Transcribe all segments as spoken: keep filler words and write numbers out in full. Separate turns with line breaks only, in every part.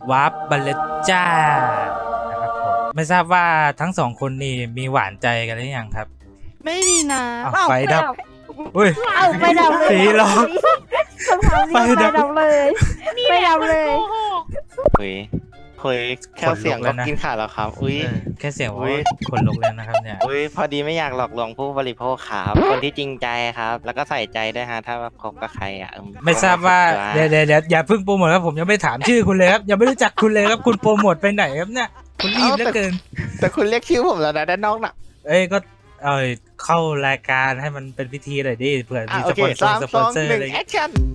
วาร์ปบัลเลจ้านะครับผมไม่ทราบว่าทั้งสองคนนี่มีหวานใจกันหรือยังครับ
ไม่มีนะ
อ้าว
เอ้า
ไฟดับอุ้ย
เอาไปดับเลย
สีร้อง
คำถามนี้
ไฟ
ไป
ดับ
ดับเลยไปดับเลย
คุยคุยแค่เสียงก็กินขาดแล้วครับอุ้ย
เออแค่เสียง
อุ๊
ว่าย คนลุกแล้วนะครับเนี่ย
อุ้ยพอดีไม่อยากหลอกลวงผู้บริโภคครับคนที่จริงใจครับ แล้วก็ใส่ใจด้วยฮะถ้าคบกับใครอ่ะอื
ไม่ทราบว่า
ค
เดี๋ยวเดี๋ยวเดี๋ยวอย่าเพิ่งโปรโมทครับผมยังไม่ถามชื่อคุณเลยครับยังไม่รู้จักคุณเลยครับคุณโปรโมทไปไหนครับเนี่ยคุณรีบเหลือเกิน
แต่คุณเรียกชื่อผมแล้วนะด้านนอกน่ะ
เอ้ยก็เอยเข้ารายการให้มันเป็นพิธีหน่อยดิเผื่อ
อ่ะ
มี
โอ
ส
เค
ปอนเซอ
สาม
ร์ส
ส
ปอน
อง
เซอร์
หนึ่
อะ
ง
ไร
แอคชั่น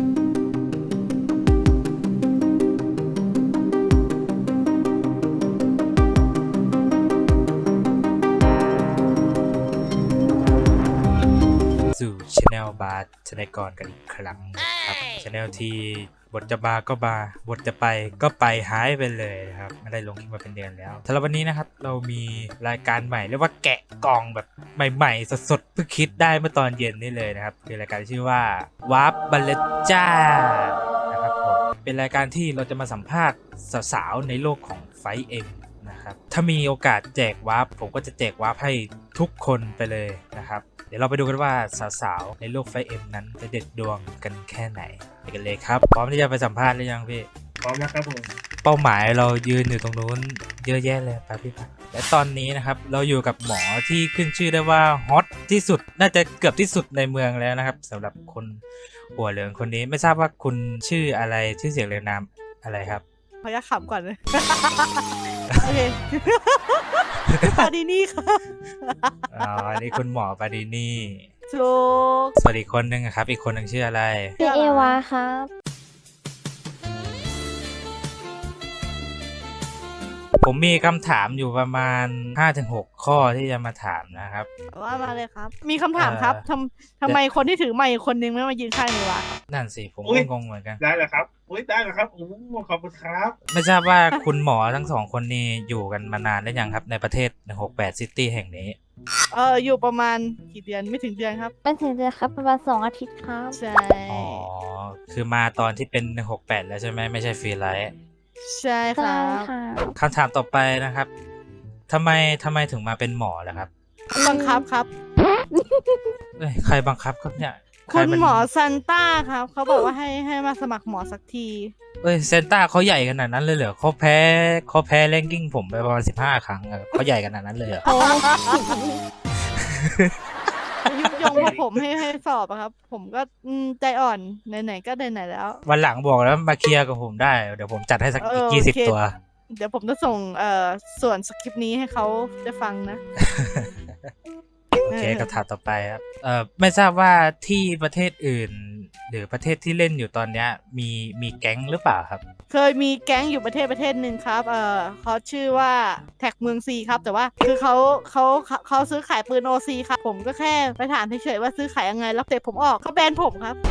สู่ช anel บาร์ชนกรกันอีกครั้งนะครับช anel ที่บทจะบาก็บาบทจะไปก็ไปหายไปเลยนะครับไม่ได้ลงคลิปมาเป็นเดือนแล้วสำหรับวันนี้นะครับเรามีรายการใหม่เรียกว่าแกะกล่องแบบใหม่ๆสดๆเพิ่งคิดได้เมื่อตอนเย็นนี่เลยนะครับคือรายการชื่อว่าวาร์ปบัลเลจ้านะครับผมเป็นรายการที่เราจะมาสัมภาษณ์สาวๆในโลกของไฟเอ็มนะครับถ้ามีโอกาสแจกวาร์ปผมก็จะแจกวาร์ปให้ทุกคนไปเลยนะครับเดี๋ยวเราไปดูกันว่าสาวๆในโลกไฟเอ็มนั้นจะเด็ดดวงกันแค่ไหนไปกันเลยครับพร้อมที่จะไปสัมภาษณ์หรือยังพี่
พร้อมแล้วครับผม
เป้าหมายเรายืนอยู่ตรงนู้นเยอะแยะเลยไปพี่พักและตอนนี้นะครับเราอยู่กับหมอที่ขึ้นชื่อได้ว่าฮอตที่สุดน่าจะเกือบที่สุดในเมืองแล้วนะครับสำหรับคนหัวเหลืองคนนี้ไม่ทราบว่าคุณชื่ออะไรชื่อเสียงเรียงนามอะไรครับ
ขออนุญาตขำก่อนเลย โอเค ปาดีนี่ค่ะ
อ๋ออันนี้คุณหมอปาดีนี่
ถูก
สวัสดีคนหนึ่งอะครับอีกคนหนึ่งชื่ออะไร
พี่เอวาครับ
ผมมีคำถามอยู่ประมาณ ห้าถึงหก ข้อที่จะมาถามนะครับ
ว่ามาเลยครับ มีคำถามครับ
เอ่อ
ทำทำไมคนที่ถือไมค์คนนึงไม่มายืนข้างเอวาครับ
นั่นสิผม
อุ๊
ก็
ย
งงเหมือนกัน
ได้แล้วครับอุ้ยได้แล้วครับโอ้โหขอบคุณครับ
ไม่ทราบว่าคุณหมอทั้งสองคนนี้อยู่กันมานานได้ยังครับในประเทศหนึ่งหกแปดซิตี้แห่งนี้
เอออยู่ประมาณกี่เดือนไม่ถึงเดือนครับ
เป็นถึงเดือนครับประมาณสองอาทิตย์ครับ
ใช่
อ๋อ คือมาตอนที่เป็นหนึ่งหกแปดแล้วใช่ไหมไม่ใช่ฟรีไลท์
ใช่ค
ใช่
รับ
ค่ะ
คำถามต่อไปนะครับทำไมทำไมถึงมาเป็นหมอล่ะครับ
บังคับครับ
เอ้ยใครบังคับครับเนี่ยใร
คุณ
มัน
หมอซันต้าครับเขาบอกว่าให้ให้มาสมัครหมอสักที
เอ้ยเซนต้าเขาใหญ่ขนาดนั้นเลยเหรอเขาแพ้เขาแพ้แรงกิ้งผมไปประมาณสิบห้าครั้งอะเขาใหญ่ขนาดนั้นเลยเหรอ
โอ้
ยุยงพวกผมให้ให้สอบอะครับ ผมก็อืมใจอ่อนไหนๆก็ไหนๆแล้ว
วันหลังบอกแล้วมาเคลียร์กับผมได้เดี๋ยวผมจัดให้สัก
เออ
อีก
โอเค
ยี่สิบตัว
เดี๋ยวผมจะส่งเอ่อส่วนสคริปต์นี้ให้เขาได้ฟังนะ
โอเคคำถามต่อไปครับเอ่อไม่ทราบว่าที่ประเทศอื่น หรือประเทศที่เล่นอยู่ตอนเนี้ยมีมีแก๊งหรือเปล่าครับ
เคยมีแก๊งอยู่ประเทศประเทศหนึ่งครับ เอ่อเขาชื่อว่าแท็กเมืองซีครับ แต่ว่าคือเขาเขาเขาเขาซื้อขายปืนโอซีครับ ผมก็แค่ไปถามเฉยๆว่าซื้อขายยังไง แล้วเตะผมออกเขาแบนผมครับ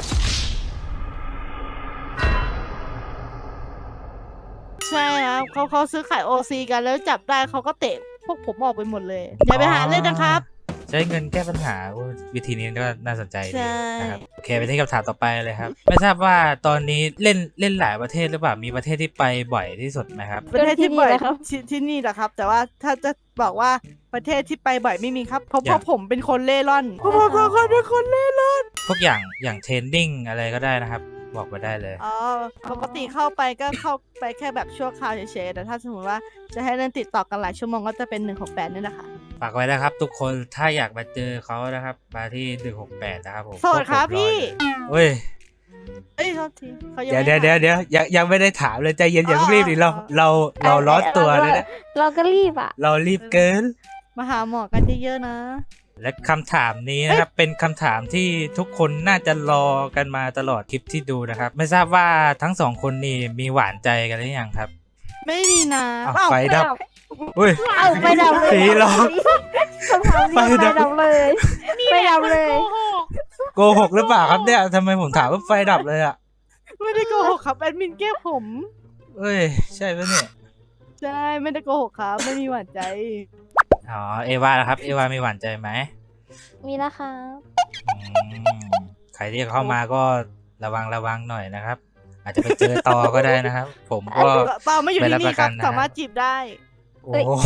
ใช่ครับเขาเขาซื้อขายโอซีกันแล้วจับได้เขาก็เตะพวกผมออกไปหมดเลย อย่าไปหาเล่นนะครับ
ใช้เงินแก้ปัญหาโอ้วิธีนี้ก็น่าสนใจดี
ใช่
นะครับโอเคไปที่คำถามต่อไปเลยครับ ไม่ทราบว่าตอนนี้เล่นเล่นหลายประเทศหรือเปล่ามีประเทศที่ไปบ่อยที่สุดไหมครับ
ประเทศที่บ่อยที่ที่นี่แหละครับ แต่ว่าถ้าจะบอกว่าประเทศที่ไปบ่อยไม่มีครับเพราะ
อ
เพ
ย่าง
ราะผมเป็นคนเล่ร่อนเพราะผมเป็นคนเป็นคนเล่ร่อน
พวกอย่างอย่างเทรนดิ้งอะไรก็ได้นะครับ บอกมาได้เลย
อ๋อปกติเข้าไปก็เข้าไปแค่แบบชั่วคราวเฉยๆแต่ถ้าสมมติว่าจะให้เล่นติดต่อกันหลายชั่วโมงก็จะเป็นหนึ่งหกแปดนี่แหละค่ะ
ฝากไว้นะครับทุกคนถ้าอยากมาเจอเขานะครับมาที่หนึ่งหกแปดนะครับผม
โสดครับ
พวกผมอ
พี่
อยู่เฮ้ย
เอ้ยโทษทีเขายัง
เดี๋ยว
ไม่
เดี๋ยวเดี๋ยวเดี๋ยวยังยังไม่ได้ถามเลยใจเย็นอย่าเพิ่งรีบดิเราเราเราร้อนตัวเลยนะ
เราก็รีบอ่ะ
เรารีบเกิน
มาหาหมอกันเยอะๆนะ
และคำถามนี้นะครับเป็นคำถามที่ทุกคนน่าจะรอกันมาตลอดคลิปที่ดูนะครับ ไม่ทราบว่าทั้งสองคนนี่มีหวานใจกันหรือยังครับ
ไม่มีนะ
อ้าว
เอ้า
ไฟดับอุ้ย
เอาไปดับเลย
สีร้อง
คำถามนี้
ไป
ไป
ดับ
ดับเลยไปดับเลย
โกหกหรือเปล่าครับเนี่ยทำไมผมถามว่าไฟดับเลยอ่ะ
ไม่ได้โกหกครับแอดมินแก้ผม
เอ้ยใช่ปะเนี่ย
ใช่ไม่ได้โกหกครับไม่มีหวานใจ
อ๋อเอวาล่ะครับเอวามีหวานใจไหม
มีแล้วครับ
อืมใครที่เข้ามาก็ระวังระวังหน่อยนะครับอาจจะไปเจอต่อก็ได้นะครับ ผมก็
ต่อไม่อยู่ที่
ไม่รับ
นี่
ประ
ค
กั
รั
น
บ
นะ
สามารถจีบได้
โอ้โห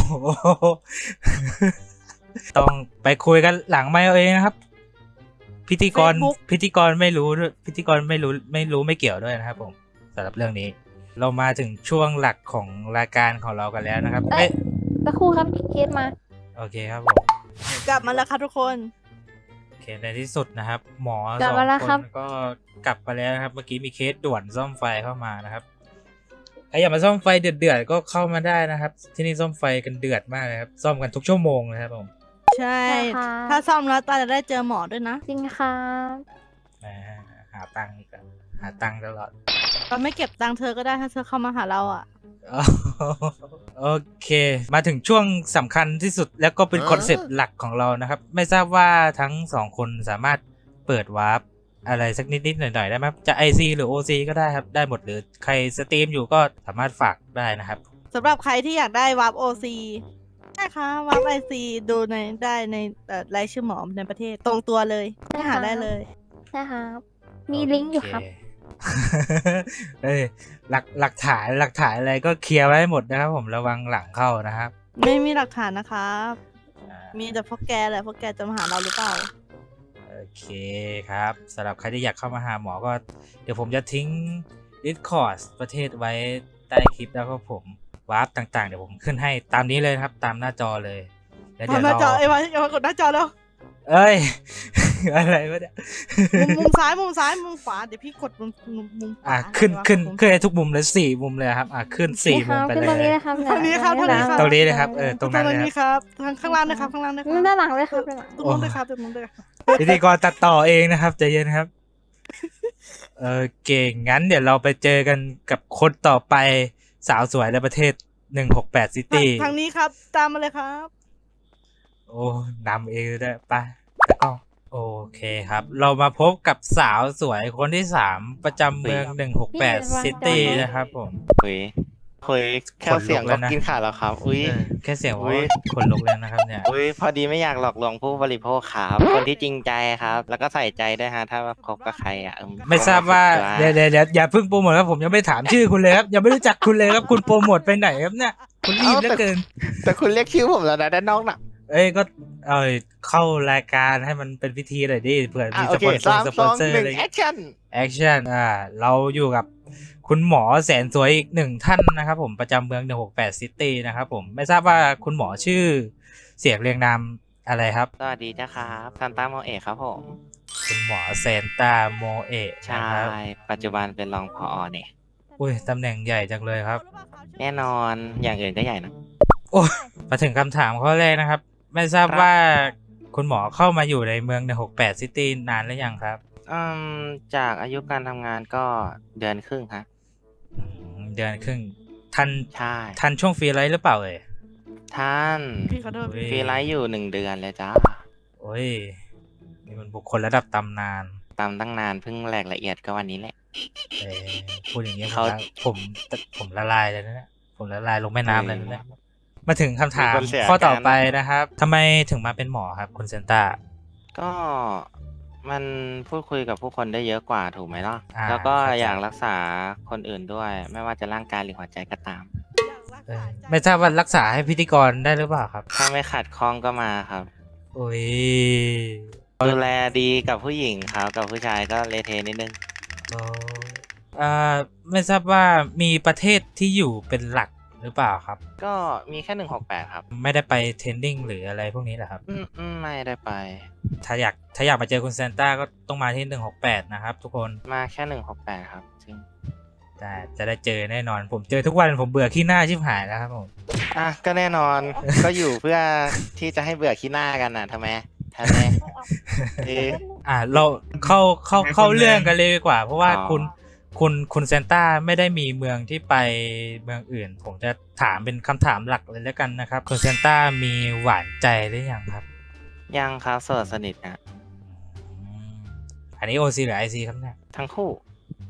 ต้องไปคุยกันหลังไมค์เอาเองนะครับ พิธีกร
Facebook
พิธีกรไม่รู้ด้วยพิธีกรไม่รู้ไม่รู้ไม่เกี่ยวด้วยนะครับผมสำหรับเรื่องนี้ เรามาถึงช่วงหลักของรายการของเรากันแล้วนะครับ
เอ้
เอ้
ย
ย
สักครู่ครับเคสมา
โอเคครับผม
กลับมาแล้วครับทุกคน
โอเคในที่สุดนะครับ หมอก
ลั
ส
บ
อง
มาแล้ว
ค
ครับ
นก็กลับมาแล้วนะครับ เมื่อกี้มีเคสด่วนซ่อมไฟเข้ามานะครับใครอยากมาซ่อมไฟเดือดๆก็เข้ามาได้นะครับ ที่นี่ซ่อมไฟกันเดือดมากเลยครับซ่อมกันทุกชั่วโมงนะครับผม
ใช่
ใช่ค่ะ
ถ้าซ่อมแล้วตาจะได้เจอหมอด้วยนะ
จริงครับ
อ่าหาตังค์อีกแล้วหาตังค์ตลอด
เราไม่เก็บตังค์เธอก็ได้ถ้าเธอเข้ามาหาเราอ่ะ
โอเค มาถึงช่วงสำคัญที่สุดแล้วก็เป็นคอนเซปต์หลักของเรานะครับ ไม่ทราบว่าทั้งสองคนสามารถเปิดวาร์ปอะไรสักนิดๆหน่อยๆได้ไหมครับจะ ไอ ซี หรือ โอ ซี ก็ได้ครับได้หมดหรือใครสตรีมอยู่ก็สามารถฝากได้นะครับ
สำหรับใครที่อยากได้วาร์ปโอซีได้ค่ะวาร์ปไอซีดูในได้ในเอ่อรายชื่อหมอในประเทศตรงตัวเลยให้หาได้เลย
ใช่ครับ มีลิงก์อยู่ครับ
โเ เอ้ยหลักหลักฐานหลักฐานอะไรก็เคลียร์ไว้ให้หมดนะครับ ผมระวังหลังเข้านะครับ
ไม่มีหลักฐานนะครับ
อ่า
มีแต่พวกแกแหละพวกแกจะมาหาเราหรือเปล่า
โอเคครับสำหรับใครที่อยากเข้ามาหาหมอก็ เดี๋ยวผมจะทิ้ง Discord ประเทศไว้ใต้คลิปแล้วก็ผมวาร์ปต่างๆ เดี๋ยวผมขึ้นให้ตามนี้เลยนะครับ ตามหน้าจอเลยแล้วเดี๋ยว
ทำหน้าจอ
เรา
ไอ้วะไอ้วะกดหน้าจอแล้ว
เอ้ย อะไรวะเนี่ย
มุมมุมซ้ายมุมซ้ายมุมขวาเดี๋ยวพี่กดมุมมุมมุมขวา
อ่ะขึ้น
อะไรวะ
ขึ้น
มุม
ขึ้นให้ทุกมุมเลยสี่มุมเลยครับอ่ะขึ้นสี่มุมไป
ขึ้น
เล
ตรงนี้
ย
เลยครับ
ตรงนี้ครับตรงนี้ครับ
ตรงนี้เลยครับเออตรงนั้น
ต
เล
รง
ย
นี้
ครับ
ครับทางข้างล่างนะครับข้างล่างนะครับ
ด้านหลังเลยครับด้านหลัง
ตรงนู้นเลยครับตรงนู้นเลยครับ
พิธีกรตัดต่อเองนะครับใจเย็นครับ เออเก่งงั้นเดี๋ยวเราไปเจอกันกับคนต่อไปสาวสวยในประเทศหนึ่งหกแปดซิตี้
ทางนี้ครับตามมาเลยครับ
โอ้นำเองเลยด้วยไปแล้วก็โอเคครับ เรามาพบกับสาวสวยคนที่สามประจำเมืองหนึ่งหกแปดซิตี้นะครับผม
คุยคุยแค่
ขนลุก
เสียง
แล้
ก็
วนะ
กินขาดแล้วครับ อุ้ย
เออแค่เสียง
อุ๊
ว่าย คนลุกแล้วนะครับเนี่ย
อุ้ยพอดีไม่อยากหลอกลวงผู้บริโภคครับคนที่จริงใจครับ แล้วก็ใส่ใจด้วยฮะถ้าว่าคบกับใครอ่ะเออ
ไม่ทราบว่า
ผม
เดี๋ยวเดี๋ยวเดี๋ยวอย่าเพิ่งโปรโมทครับผมยังไม่ถามชื่อคุณเลยครับยังไม่รู้จักคุณเลยครับคุณโปรโมทไปไหนครับเนี่ยคุณรีบเหลือเกิน
แต่คุณเรียกชื่อผมแล้วนะด้านนอกน่ะ
เอ้ยก็เออเข้ารายการให้มันเป็นพิธีหน่อยดิเผื่อ
อ่ะ
มี
โอ
ส
เค
ปอนเซอ
สาม
ร์ส
ส
ปอน
อง
เซอร์
หนึ่
อะ
ง
ไร
แอคชั่น
แอคชั่นอ่าเราอยู่กับคุณหมอแสนสวยอีกหนึ่งท่านนะครับผมประจำเมืองหนึ่งหกแปดซิตี้นะครับผมไม่ทราบว่าคุณหมอชื่อเสียงเรียงนามอะไรครับ
สวัสดีจ้าครับซันต้าโมเอะครับผม
คุณหมอแซนตาโมเอะ
ใช่
นะครับ
ปัจจุบันเป็นรองผอเนี่ย
อุ้ยตำแหน่งใหญ่จังเลยครับ
แน่นอนอย่างอื่นก็ใหญ่นะ
โอ้ยมาถึงคำถามข้อแรกนะครับ ไม่ทราบ
ครับ
ว่าคุณหมอเข้ามาอยู่ในเมืองหนึ่งหกแปดซิตี้นานหรือยังครับ
อืมจากอายุการทำงานก็เดือนครึ่งครับ
อืมเดือนครึ่งทัน
ใช่
ทันช่วงฟรีไลท์หรือเปล่าเอ่ย
ท่าน
พี่ขอโทษ
อุ๊ย
ฟรีไลท์อยู่หนึ่งเดือนเลยจ้า
โอ้ยนี่มันบุคคลระดับตำนาน
ตามตั้งนานเพิ่งแหลกละเอียดก็วันนี้แหละ
เออพูดอย่างนี้ผม
เขา
ละผมผมละลายเลยนะเนี่ยผมละลายลงแม่น้ำเลยนะเนี่ยมาถึงคำถาม
มีคนเสีย
ข้อต่อ
การ
ไปนะครับทำไมถึงมาเป็นหมอครับคุณเซนต้า
ก็มันพูดคุยกับผู้คนได้เยอะกว่าถูกไหมล่ะ
อ่า
แล้วก็
เข้าใจ
อยากรักษาคนอื่นด้วย ไม่ว่าจะร่างกายหรือหัวใจก็ตาม
เออไม่ทราบว่ารักษาให้พิธีกรได้หรือเปล่าครับ
ถ้าไม่ขัดข้องก็มาครับ
โอ้ย
ดูแลดีกับผู้หญิงครับกับผู้ชายก็เลเทนิดนึง
โอ้อ่าไม่ทราบว่ามีประเทศที่อยู่เป็นหลักหรือเปล่าครับ
ก็มีแค่หนึ่งหกแปดครับ
ไม่ได้ไปเทรนนิ่งหรืออะไรพวกนี้เหรอครับ
อืมอืมไม่ได้ไป
ถ้าอยากถ้าอยากมาเจอคุณเซนต้าก็ต้องมาที่หนึ่งหกแปดนะครับทุกคน
มาแค่หนึ่งหกแปดครับจริง
แต่จะได้เจอแน่นอน ผมเจอทุกวันผมเบื่อขี้หน้าชิบหายแล้วครับผม
อ่ะก็แน่นอน ก็อยู่เพื่อที่จะให้เบื่อขี้หน้ากันน่ะทำไมทำไมเออ
อ่าเราเข้าเข้าเข้าเรื่องกันเลยดีกว่า เพราะว่า
อ๋อ
คุณคุณคุณเซนต้าไม่ได้มีเมืองที่ไปเมืองอื่น ผมจะถามเป็นคำถามหลักเลยแล้วกันนะครับคุณเซนต้ามีหวานใจหรือยังครับ
ยังครับโสดสนิทนะ
อืมอันนี้โอซีหรือไอซีครับเนี่ย
ทั้งคู่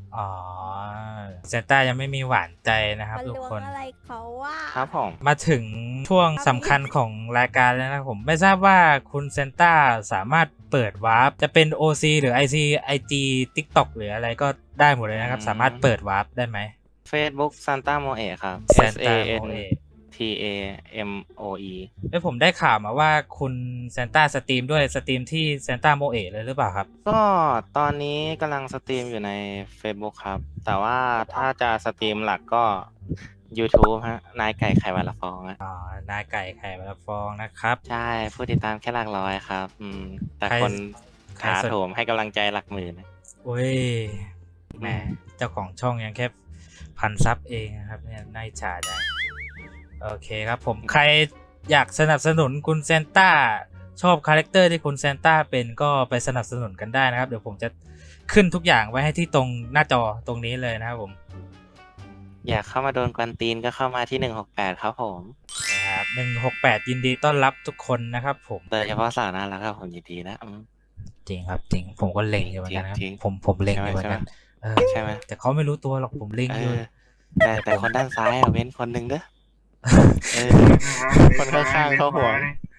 อ๋อเซนต้ายังไม่มีหวานใจนะครับ
มัน
ทุก
ลว
ค
ง
น
อะไรเขาว่า
ครับผม
มาถึงช่วงสำคัญของรายการแล้วนะครับผมไม่ทราบว่าคุณเซนต้าสามารถเปิดวาร์ปจะเป็น โอ ซี หรือ ไอ ซี ไอ จี TikTok หรืออะไรก็ได้หมดเลยนะครับ
อืม
สามารถเปิดวาร์ปได้ไหม
Facebook Santa Moe ครับ S A
Santa
N
Moe
T A M O E
เอ้ยผมได้ข่าวมาว่าคุณเซนต้าสตรีมด้วยสตรีมที่เซนต้าโมเอะเลยหรือเปล่าครับ
ก็ตอนนี้กำลังสตรีมอยู่ใน Facebook ครับ แต่ว่าถ้าจะสตรีมหลักก็ YouTube ฮะ นายไก่ไข่วันละฟองฮะ
อ๋อ นายไก่ไข่มาละฟองนะครับ
ใช่ ผู้ติดตามแค่หลักร้อยครับ อืม แต่
ใคร
คน
ใคร
ถา
สน
โถมให้กำลังใจหลักหมื่นนะ
โอ้ยแหมเจ้าของช่องยังแค่พันซับเองนะครับเนี่ยน่าอิจฉาจังโอเคครับผมใครอยากสนับสนุนคุณเซนต้าชอบคาแรคเตอร์ที่คุณเซนต้าเป็นก็ไปสนับสนุนกันได้นะครับ เดี๋ยวผมจะขึ้นทุกอย่างไว้ให้ที่ตรงหน้าจอตรงนี้เลยนะครับผม
อยากเข้ามาโดนกวนตีนก็เข้ามาที่หนึ่งหกแปดครับผม
นะครับหนึ่งหกแปดยินดีต้อนรับทุกคนนะครับผม
โดยเฉพาะสาวน่ารักครับผมยินดีนะอืม
จริงครับจริงผมก็เล็งอยู่เหมือนกันนะครับ
จริงๆ
ผมผมเล็งอยู่เหมือนกันเออ
ใช่ไหม
แต่เขาไม่รู้ตัวหรอกผมเล็ง
เอ
อยู่
อแต่แต่คนด้านซ้ายอะเว้นคนหนึ่งเด้อเออ คนข้างๆเขาห่วง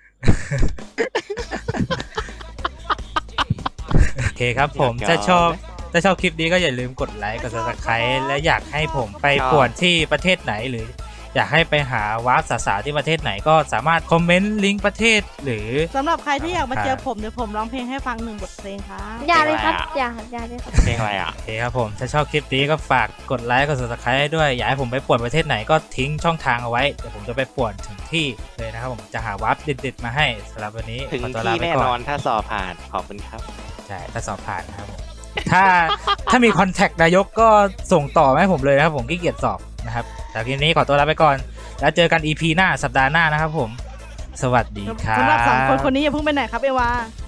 โอเคครับผม
อยาก
ถ้าชอบ
ยอมไหม
ถ้าชอบคลิปนี้ก็อย่าลืมกดไลค์กด Subscribe และอยากให้ผมไป
ชอบ
ป่วนที่ประเทศไหนหรือ อยากให้ไปหาวาร์ปสาวๆที่ประเทศไหนก็สามารถคอมเมนต์ลิงก์ประเทศหรือ
สำหรับใครที่อยากมา
ครับ
เจอผมเดี๋ยวผมร้องเพลงให้ฟังหนึ่งบทเพลงครับ
อย่าเลยครับ
เพลงอะไรอะ
อย่าอย่าเลยครับ
เพลงอะไรอ่ะ
โอเคครับผมถ้าชอบคลิปนี้ก็ฝากกดไลค์กด Subscribe ให้ด้วยอยากให้ผมไปป่วนประเทศไหนก็ทิ้งช่องทางเอาไว้เดี๋ยวผมจะไปป่วนถึงที่เลยนะครับผมจะหาวาร์ปเด็ดๆมาให้สำหรับวันนี้
ถึง
ขอตัวลา
ที่
ไป
แน่
ก่
น
อ
อน นถ้าสอบผ่านขอบคุณครับ
ใช่ถ้าสอบผ่านนะครับผม ถ้าถ้ามีคอนแทคนายกก็ส่งต่อมาให้ผมเลยนะครับผมขี้เกียจสอบนะครับแต่ทีนี้ขอตัวลาไปก่อน แล้วเจอกัน อี พี หน้าสัปดาห์หน้านะครับผม สวัสดีครับ
สำหรับสองคนคนนี้อย่าเพิ่งไปไหนครับเอวา